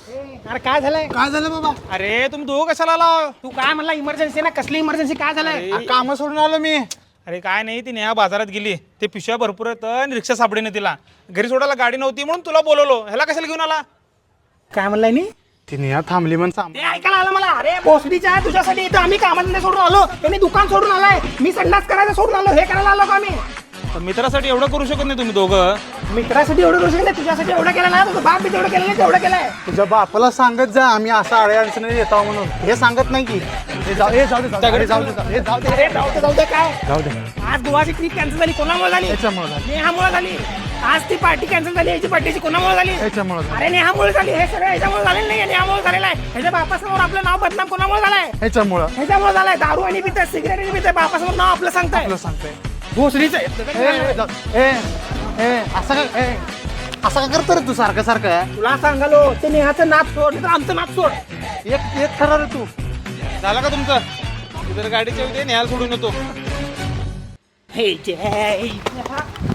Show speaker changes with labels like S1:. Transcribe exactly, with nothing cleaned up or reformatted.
S1: अरे काय झालंय?
S2: काय झालं बाबा?
S3: अरे तुम्ही दोघं कशाला आला?
S1: तू काय म्हणला इमर्जन्सी ना? कसली इमर्जन्सी? काय झालंय?
S3: अरे,
S2: काम सोडून आलो मी.
S3: अरे काय नाही, ती नेहा बाजारात गेली, ते पिशव्या भरपूर आहेत आणि रिक्षा सापडेने तिला. घरी सोडायला गाडी नव्हती म्हणून तुला बोलवलो. ह्याला कशाला घेऊन आला?
S1: काय म्हणलाय नी?
S2: ती नेहा थांबली म्हणून सांग.
S1: ते ऐकायला आलं मला. अरे भोसडीच्या तुझ्यासाठी इथं आम्ही कामाधंदे सोडून आलो, त्यांनी दुकान सोडून आलाय, मी संडास करायचं सोडून आलो. हे करायला आलो का आम्ही?
S3: पण मित्रासाठी एवढं करू शकत नाही तुम्ही दोघं.
S1: मित्रासाठी एवढं करू शकत नाही, तुझ्यासाठी एवढं केलं ना. तुझं बाप बी तेवढं केलं नाही, तेवढं केलंय.
S2: तुझ्या बापाला सांगत जा आम्ही असं अडे अडचणी येतो म्हणून. हे सांगत नाही की हे जाऊ हे जाऊ दे, जाऊ दे, अरे जाऊ दे, जाऊ दे, हे जाऊ दे,
S1: अरे जाऊ दे जाऊ दे. काय
S2: जाऊ दे.
S1: आज गोवाची ट्रिप कॅन्सल झाली, कोणामुळे झाली?
S2: याच्यामुळे झाली.
S1: नेहामुळे झाली. आज ती पार्टी कॅन्सल झाली, याची पार्टीची कोणामुळे झाली?
S2: याच्यामुळे झाली.
S1: अरे नेहामुळे झाली. हे सगळं ह्याच्यामुळे झालेलं नाही, नेहामुळे झालेलं आहे. ह्याच्या बापासमोर आपलं नाव बदनाम कोणामुळे झालंय?
S2: ह्याच्यामुळं
S1: ह्याच्यामुळे झालंय. दारू आणि पिते, सिगरेट आणि पिते, बापासमोर नाव आपलं सांगताय.
S2: तुला सांगतोय.
S1: भोसडीचं
S2: ए, ए, जाऊ- ए, ए, असं का ए, असं का करतो रे तू सारखं सारखं?
S1: तुला सांगालो, ते नेहाचं नाच सोड, नाही तर आमचं नाच सोड.
S2: एक एक खरा रे तू.
S3: झालं का तुमचं? तू जर गाडीच्या उद्या नेहाला सोडून येतो.
S1: हे जे